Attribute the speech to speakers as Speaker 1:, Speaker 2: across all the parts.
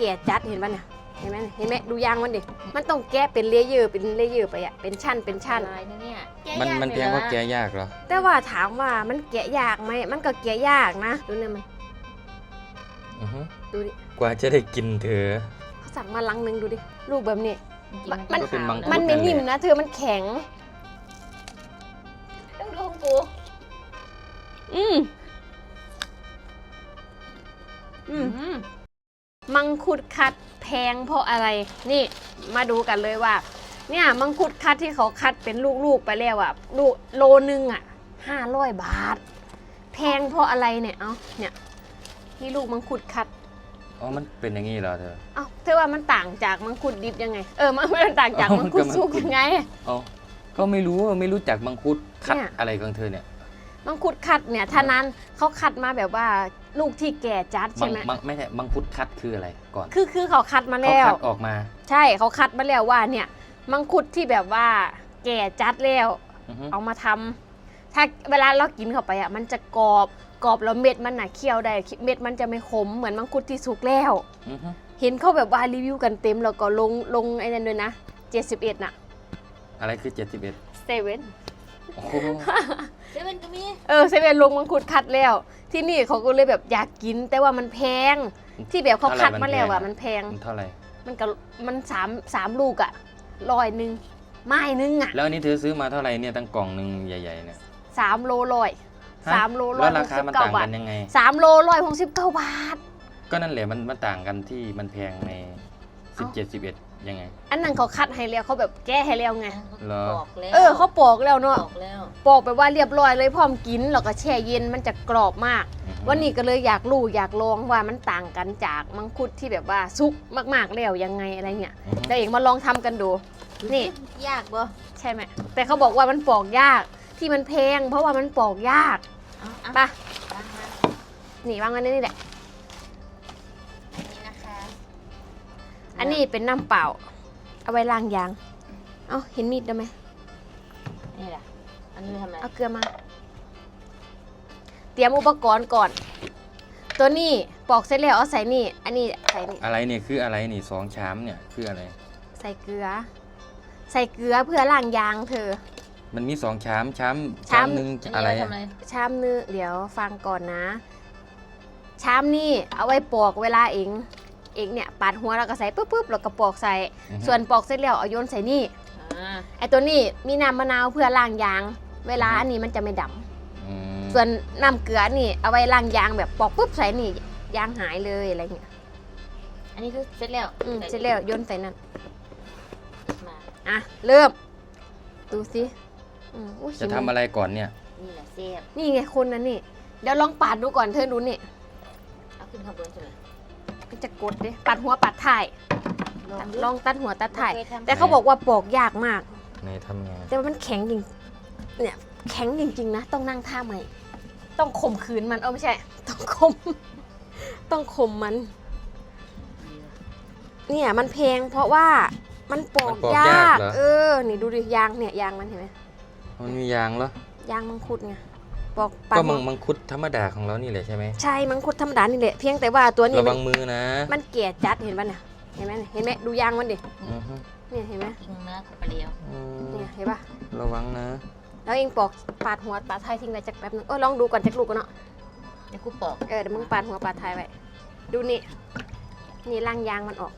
Speaker 1: ก่จัดเห็นป่ะเนี่ยเห็นไหมดูยางมันดิมันต้องแกะเป็นเลเยอร์ไปอะเป็นชั้น
Speaker 2: ลายนะเนี่ย
Speaker 3: มันแพงเพราะแกะยากเหรอ
Speaker 1: แต่ว่าถามว่ามันแกะยากไหมมันก็แกะยากนะดูเนี่ยมันดูดิ
Speaker 3: กว่าจะได้กินเธอ
Speaker 1: เขาสั่งมาลังนึงดูดิลูกแบบนี้
Speaker 3: มัน
Speaker 1: ไม่นิ่มนะเธอมันแข็ง
Speaker 2: ต้องดูปู
Speaker 1: มังคุดคัดแพงเพราะอะไรนี่มาดูกันเลยว่าเนี่ยมังคุดคัดที่เขาคัดเป็นลูกๆไปแล้วอะโลนึงอะ500 บาทแพงเพราะอะไรเนี่ยเนี่ยที่ลูกมังคุดคัด
Speaker 3: มันเป็นอย่างนี้เหรอเ
Speaker 1: ธอว่ามันต่างจากมังคุดดิบยังไงมันต่างจากมังคุดสุกยังไง
Speaker 3: ก็ไม่รู้จักมังคุดคัดอะไรของเธอเนี่ย
Speaker 1: มังคุดคัดเนี่ยท่านั้นเขาคัดมาแบบว่าลูกที่แก่จัดใช่ไหม
Speaker 3: ไม่ใช่มังคุดคัดคืออะไรก่อน
Speaker 1: คือเขาคัดมาแล้ว
Speaker 3: เขาคัดออกมา
Speaker 1: ใช่เขาคัดมาแล้วว่าเนี่ยมังคุดที่แบบว่าแก่จัดแล้วเอามาทำถ้าเวลาเรากินเข้าไปอ่ะมันจะกรอบแล้วเม็ดมันน่ะเคี้ยวได้เม็ดมันจะไม่ขมเหมือนมังคุดที่สุกแล้วเห็นเขาแบบว่ารีวิวกันเต็มแล้วก็ลงไอ้นั่นด้วยนะ71น่ะ
Speaker 3: อะไรคือ71
Speaker 1: เซเว่น
Speaker 2: ก็มี
Speaker 1: เซเว่นลงมังคุดคัดแล้วที่นี่เขาก็เลยแบบอยากกินแต่ว่ามันแพงที่แบบเขาคัดมาแล้วอ่ะมันแพง
Speaker 3: เท่าไหร่
Speaker 1: มัน3ลูกอ่ะ100ไม้นึงอ่ะ
Speaker 3: แล้วอันนี้เธอซื้อมาเท่าไหร่เนี่ยตั้งกล่องนึงใหญ่ๆเนี่ย
Speaker 1: 3 โล3 โล
Speaker 3: แล้วราคามันต่างกันยังไง
Speaker 1: 3 โล169 บาท
Speaker 3: ก็นั่นแหละมันต่างกันที่มันแพงใน17 11ยังไง
Speaker 1: อันนั้นเขาคัดให้แล้วเขาแบบแก้ให้แล้วไง
Speaker 2: ปอกแล้ว
Speaker 1: เขาปอกแล้วเนาะปอกไปว่าเรียบร้อยเลยพร้อมกินแล้วก็แช่เย็นมันจะกรอบมากวันนี้ก็เลยอยากลองว่ามันต่างกันจากมังคุดที่แบบว่าซุกมากๆแล้วยังไงอะไรเงี้ยแต่เองมาลองทำกันดูนี่
Speaker 2: ยากบ่
Speaker 1: ใช่ไหมแต่เขาบอกว่ามันปอกยากที่มันแพงเพราะว่ามันปอกยากป่ะนี่วางไว้นี่แหละอันนี้เป็นน้ำเปล่าเอาไว้ล้างยางเห็นมีดได้ไหม
Speaker 2: นี่แหละอันนี้ทำไม
Speaker 1: เอาเกลือมาเตรียมอุปกรณ์ก่อนตัวนี้ปอกเสร็จแล้วเอาใส่นี่อันนี้ใส่นี่
Speaker 3: อะไรเนี่ยคืออะไรนี่2 ชามเนี่ยคืออะไร
Speaker 1: ใส่เกลือเพื่อล้างยางเธอ
Speaker 3: มันมี2 ชามนึงอะไร
Speaker 1: ชามนึงเดี๋ยวฟังก่อนนะชามนี่เอาไว้ปอกเวลาเองเนี่ยปาดหัวแล้วก็ใส่ปุ๊บแล้วก็ปอกใส่ส่วนปอกเสร็จแล้วเอาโยนใส่นี่ไอตัวนี้มีน้ำมะนาวเพื่อล้างยางเวลาอันนี้มันจะไม่ดำส่วนน้ำเกลือนี่เอาไว้ล้างยางแบบปอกปุ๊บใส่นี่ยางหายเลยอะไรเงี้ย
Speaker 2: อันนี้คือเสร็จแล้ว
Speaker 1: เสร็จแล้วโยนใส่นั่นเริ่มดูสิ
Speaker 3: จะทำอะไรก่อนเนี่ย
Speaker 2: นี่แหละเสียบ
Speaker 1: นี่ไงคนนั้นนี่เดี๋ยวลองปาดดูก่อนเธอดูนี่
Speaker 2: เอาขึ้นข้างบนใช่ไหม
Speaker 1: จะกดดิปัดหัวปัดถ่ายลองตัดหัวตัดถ่ายแต่เขาบอกว่าปอกยากมาก
Speaker 3: ในทำไง
Speaker 1: แต่ว่ามันแข็งจริงเนี่ยแข็งจริงๆนะต้องนั่งท่าใหม่ต้องข่มขืนมันไม่ใช่ต้องข่มมันเนี่ยมันแพงเพราะว่ามันปอกยากนี่ดูดิยางเนี่ยยางมันเห็นไหม
Speaker 3: มันมียางเหร
Speaker 1: อยางมังคุดไง
Speaker 3: ก็มังคุดธรรมดาของเรานี่แหละใช่ไหม
Speaker 1: ใช่มังคุดธรรมดานี่แหละเพียงแต่ว่าตัวนี้
Speaker 3: ระวังมือนะ
Speaker 1: มันแก่จัดเห็นป่ะเนี่ยเห็นไหมดูยางมันดิเนี่ยเห็นไหม
Speaker 2: ทิ้งเนื้อกับปลาเดียว
Speaker 1: เนี่ยเห็นป่ะ
Speaker 3: ระวังนะ
Speaker 1: แล้วเองปอกปาดหัวปาดท้ายทิ้งไว้จักแป๊บนึงลองดูก่อนจักลูกกันเนาะ
Speaker 2: เดี๋ยวกูปอก
Speaker 1: เดี๋ยวมึงปาดหัวปาดท้ายไว้ดูนี่ล่างยางมันออก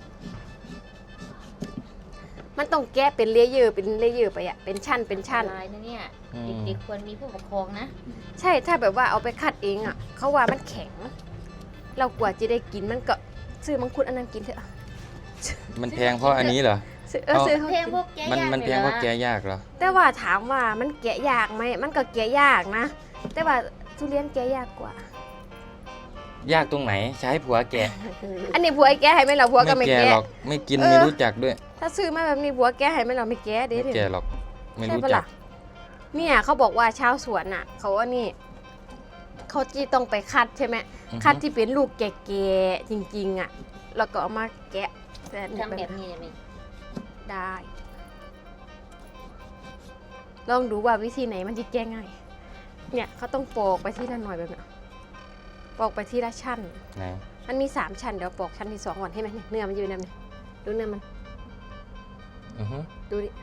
Speaker 1: มันต้องแก้เป็นเลเยอร์ไปอะเป็นชั้น
Speaker 2: ลายนะเนี่ยเด็กๆควรมีผู้ปกครองนะ
Speaker 1: ใช่ถ้าแบบว่าเอาไปคัดเองอะเขาว่ามันแข็งเรากว่าจะได้กินมันก็ซื้อมังคุดอันนั้นกินเถอะ
Speaker 3: มันแพงเพราะอันนี้เหรอ
Speaker 1: ซื้อ
Speaker 2: แพงพวกแกะยาก
Speaker 3: มันแพงเพราะแกะยากเหรอ
Speaker 1: แต่ว่าถามว่ามันแกะยากไหมมันก็แกะยากนะแต่ว่าทุเรียนแกะยากกว่
Speaker 3: ายากตรงไหนใช้ผัวแกะ
Speaker 1: อันนี้ผัวแกะให้ไหมเราผัวก็ไม่แกะ
Speaker 3: หรอกไม่กินไม่รู้จักด้วย
Speaker 1: ถ้าซื้อมาแบบนี้ผัวแกะให้ไหมเราไม่แกะเด้
Speaker 3: ไม่แกะหรอกไม่รู้จัก
Speaker 1: เนี่ยเขาบอกว่าชาวสวนอ่ะเขาว่านี่เขาจีต้องไปคัดใช่ไหมคัดที่เป็นลูกแก่ๆจริงๆอ่ะแล้วก็เอามาแกะ
Speaker 2: ทำแบบนี้
Speaker 1: ได้ลองดูว่าวิธีไหนมันจะแก้ง่ายเนี่ยเขาต้องปอกไปที่ละหน่อยแบบนี้ปอกไปที่ละชั้น
Speaker 3: ไหน
Speaker 1: มันมี3ชั้นเดี๋ยวปอกชั้นที่2ก่อนให้ไหมเนี่ยเนื้อมันอยู่ในนี้ดูเนื้อมัน
Speaker 3: อือฮึ
Speaker 1: ดูดิ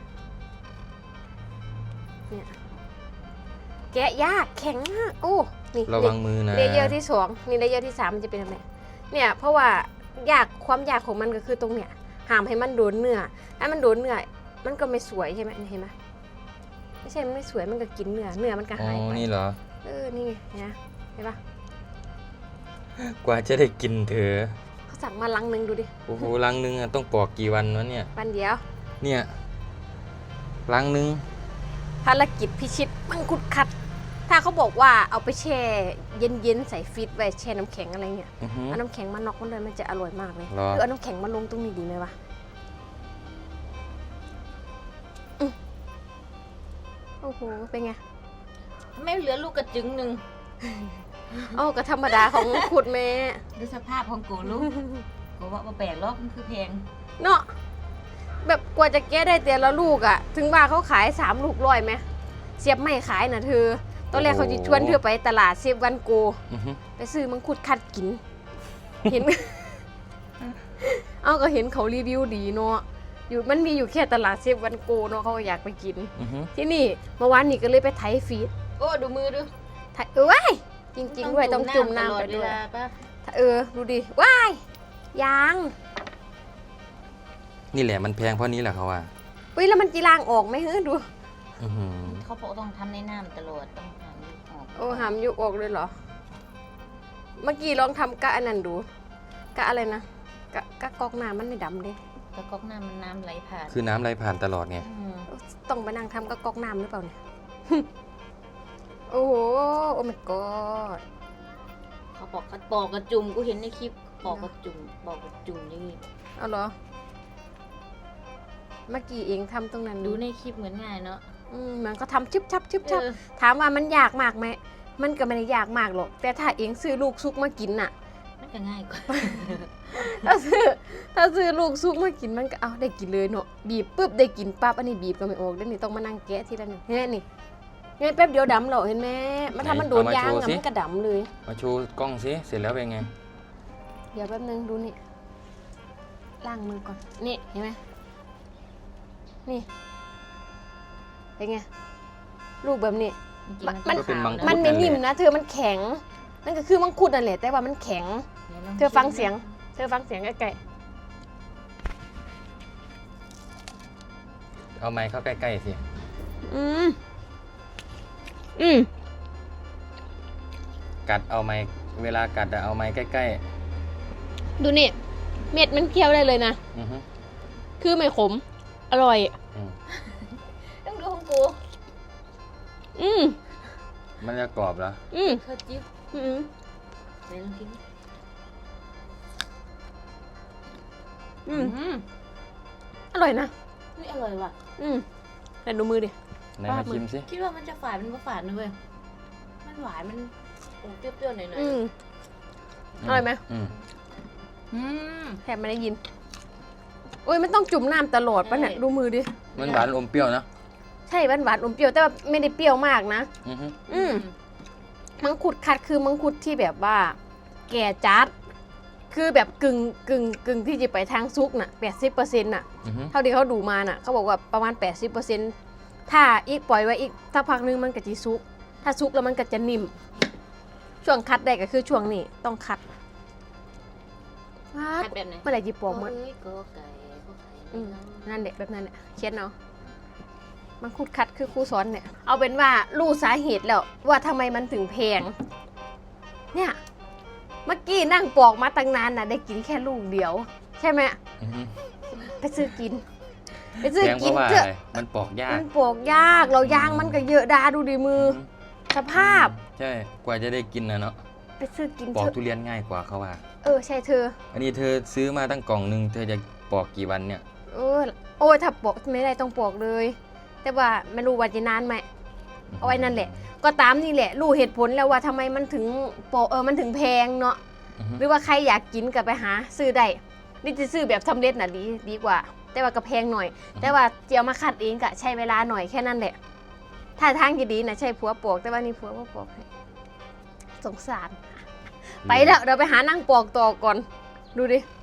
Speaker 1: เนี่ยแกะยากแข็งมากโอ้นี่
Speaker 3: ระวังมือนะ
Speaker 1: เลเยอร์ที่2นี่เลเยอร์ที่3มันจะเป็นแบบนี้เนี่ยเพราะว่ความยากของมันก็คือตรงเนี่ยห้ามให้มันโดนเนื้อถ้ามันโดนเนื้อมันก็ไม่สวยใช่ไหมเห็นไหมไม่ใช่มันไม่สวยมันก็กินเนื้อมันก็
Speaker 3: อ๋อ
Speaker 1: หายไป
Speaker 3: นี่เหรอ
Speaker 1: นี่ไงเนี่ยเห็นปะ
Speaker 3: กว่าจะได้กินเธอ
Speaker 1: เขาสั่งมาลังนึงดูดิ
Speaker 3: โอ้โหลังนึงอะต้องปอกกี่วันวะเนี่ย
Speaker 1: วันเดียว
Speaker 3: เนี่ยลังนึง
Speaker 1: ภารกิจพิชิตมังคุดคัด ถ้าเขาบอกว่าเอาไปแช่เย็นๆใส่ฟรีซไว้แช่น้ำแข็งอะไรเงี้ย
Speaker 3: อือฮึ
Speaker 1: เอาน้ำแข็งมาน็อกมันเลยมันจะอร่อยมากเลย
Speaker 3: หรอ
Speaker 1: หรือเอาน้ำแข็งมาลงตรงนี้ดีไหมวะโอ้โหเป็นไง
Speaker 2: ไม่เหลือลูกกระจึงหนึ่ง
Speaker 1: อ้าวก็ธรรมดาของขุดแม่
Speaker 2: ดูสภาพของกูลูกกูว่าบ่แปลกหรอกมันคือแพง
Speaker 1: เนาะแบบกว่าจะแก้ได้แต่ละลูกอะถึงว่าเขาขาย3 ลูก100ไหมเสียบไม่ขายนะเธอตอนแรกเขาจะชวนเธอไปตลาดเซฟวันโก
Speaker 3: อือฮึ
Speaker 1: ไปซื้อมังคุดคัดกิน เห็น เอาก็เห็นเขารีวิวดีเนาะมันมีอยู่แค่ตลาดเซฟวันโกเนาะเขาก็อยากไปกิน
Speaker 3: อือฮึ
Speaker 1: ที่นี่เมื่อวานนี้ก็เลยไปไถฟีด
Speaker 2: โอ้ดูมือดู
Speaker 1: ไถจริงๆด้วยต้องจุ่มน้ำไปด้วย
Speaker 2: ตลอเวลาป่ะ
Speaker 1: ดูดิว้ายยาง
Speaker 3: นี่แหละมันแพงเพราะนี้แหละเขาว่า
Speaker 1: อุ้ยแล้วมันจีรางออกไหมเฮ้ยดู
Speaker 3: อือหือ
Speaker 2: เขาบอกต้องทำในน้ำตลอดต้องหาลูกออก
Speaker 1: โอ้หามยุกออกเลยเหรอ เมื่อกี้ลองทำกะอันนั้นดูกะอะไรนะกะกอกน้ำมันไม่ดำเลย
Speaker 2: กระก๊อกน้ำมันน้ำไหลผ่าน
Speaker 3: คือน้ำไหลผ่านตลอดไง
Speaker 2: อืม
Speaker 1: ต้องไปนั่งทำกะกอกน้ำหรือเปล่าเนี่ย โอ้โหโอ้ my god
Speaker 2: เขาบอกกระปอกกระจุ่มกูเห็นในคลิปปอกกระจุ่มปอกกระจุ่มอย่างงี้
Speaker 1: เอาเหรอ เมื่อกี้เองทำตรงนั้น
Speaker 2: ดูในคลิปเหมือนง่ายเนาะ
Speaker 1: มันก็ทำชึบชับชึบชับ
Speaker 2: เออ
Speaker 1: ถามว่ามันยากมากไหมมันก็ไม่ได้ยากมากหรอกแต่ถ้าเองซื้อลูกซุกมากินน่ะ
Speaker 2: มันก็ง่ายกว่า
Speaker 1: ถ้าซื้อลูกซุกมากินมันก็เอาได้กินเลยเนาะบีบปุ๊บได้กินปั๊บอันนี้บีบก็ไม่ออกแล้วนี่ต้องมานั่งแกะทีละหนึ่งเห็นไหมนี่ไงแป๊บเดียวดำเหรอเห็นไหมมันทำมันโดนยางอะมันก็ดำเลย
Speaker 3: มาโชว์กล้องสิเสร็จแล้วเป็นไง
Speaker 1: เดี๋ยวแป๊บนึงดูนี่ล้างมือก่อนนี่เห็นไหมนี่เป็นไงลูกแบบนี้
Speaker 2: จริงๆ
Speaker 1: มัน
Speaker 3: ก็เป็นมังคุด
Speaker 1: มันไม่นิ่มนะเธอมันแข็งนั่นก็คือมังคุดนั่นแหละแต่ว่ามันแข็ง เธอฟังเสียงใกล้
Speaker 3: เอาไม้เข้าใกล้ๆสิ
Speaker 1: ๆ
Speaker 3: กัดเอาไม้เวลากัดอะเอาไม้ใกล้
Speaker 1: ดูนี่เม็ดมันเคี้ยวได้เลยนะ
Speaker 3: ๆอือฮึ
Speaker 1: คือไม่ขม อร่อย
Speaker 3: อืม
Speaker 2: ต้องดูของกู
Speaker 3: มันจะกรอบเหรอ
Speaker 2: เธอจิ๊บไหนลองกิน
Speaker 1: อร่อยนะ
Speaker 2: นี่อร่อยว่ะ
Speaker 1: แต่ดูมือดิ
Speaker 3: ไหนมาชิมสิ
Speaker 2: คิดว่ามันจะฝาดมันก็ฝาดนะเว้ยมันหวานมันเปรี้ยวๆหน่อย
Speaker 1: อร่อยไหม แทบไม่ได้ยินโอ้ยมันต้องจุ่มน้ำตลอดปะเนี่ยดูมือดิ
Speaker 3: มันหวานอมเปรี้ยวนะ
Speaker 1: ใช่หวานอมเปรี้ยวแต่ว่าไม่ได้เปรี้ยวมากนะ
Speaker 3: อือฮึ
Speaker 1: มังคุดคัดคือมังคุดที่แบบว่า แก่จัด คือแบบกึ่งที่จะไปทางซุกน่ะ 80%น่ะ
Speaker 3: อือฮึ
Speaker 1: เท่าที่เขาดูมาน่ะเขาบอกว่าประมาณ 80%ถ้าอีกปล่อยไว้อีกสักพักนึงมันก็จะซุก ถ้าซุกแล้วมันก็จะนิ่ม ช่วงคัดได้ก็คือช่วงนี้ต้องคัด
Speaker 2: คัดแบบไหน
Speaker 1: เมื่อไหร่จะปอกหมด
Speaker 2: เอ้ยก็ไก่ก็ไข่
Speaker 1: นั่นแหละแบบนั้นแหละเขียนเนาะมังคุดคัดคือครูสอนเนี่ยเอาเป็นว่ารู้สาเหตุแล้วว่าทำไมมันถึงแพงเนี่ยเมื่อกี้นั่งปอกมาตั้งนานน่ะได้กินแค่ลูกเดียว ใช่ไหม
Speaker 3: อือฮึ
Speaker 1: ไปซื้อกินไปซื้อ
Speaker 3: แพงเพ
Speaker 1: กิน
Speaker 3: ราะว่า
Speaker 1: เถ
Speaker 3: อะ
Speaker 1: อะ
Speaker 3: ไรมันปอกยาก
Speaker 1: มันปอกยากเรายางมันก็เยอะดาดูดิมือ
Speaker 3: อือฮึ
Speaker 1: สภาพ
Speaker 3: ใช่ กว่าจะได้กินนะเนาะ
Speaker 1: ไปซื้อกิน
Speaker 3: ปอก
Speaker 1: เถอะ
Speaker 3: ทุเรียนง่ายกว่าเขาว่า
Speaker 1: ใช่เธอ
Speaker 3: อันนี้เธอซื้อมาตั้งกล่องนึง เธอจะปอกกี่วันเนี่ย
Speaker 1: โอ้ยถ้าปอกไม่ได้ต้องปอกเลย แต่ว่าไม่รู้ว่าจะนานไหม เอาไว้นั่นแหละ ก็ตามนี่แหละ รู้เหตุผลแล้วว่าทำไมมันถึงมันถึงแพงเนาะ
Speaker 3: อือฮึ
Speaker 1: หรือว่าใครอยากกินก็ไปหาซื้อได้ นี่จะซื้อแบบสำเร็จน่ะดีกว่า แต่ว่าก็แพงหน่อย แต่ว่าเจียวมาคัดเองก็ใช้เวลาหน่อยแค่นั้นแหละ ถ้าทางที่ดีนะใช่ผัวปอกแต่ว่านี่ผัวบ่ปอกให้สงสารไปแล้วเดี๋ยวไปหานั่งปอกต่อก่อน ดูดิ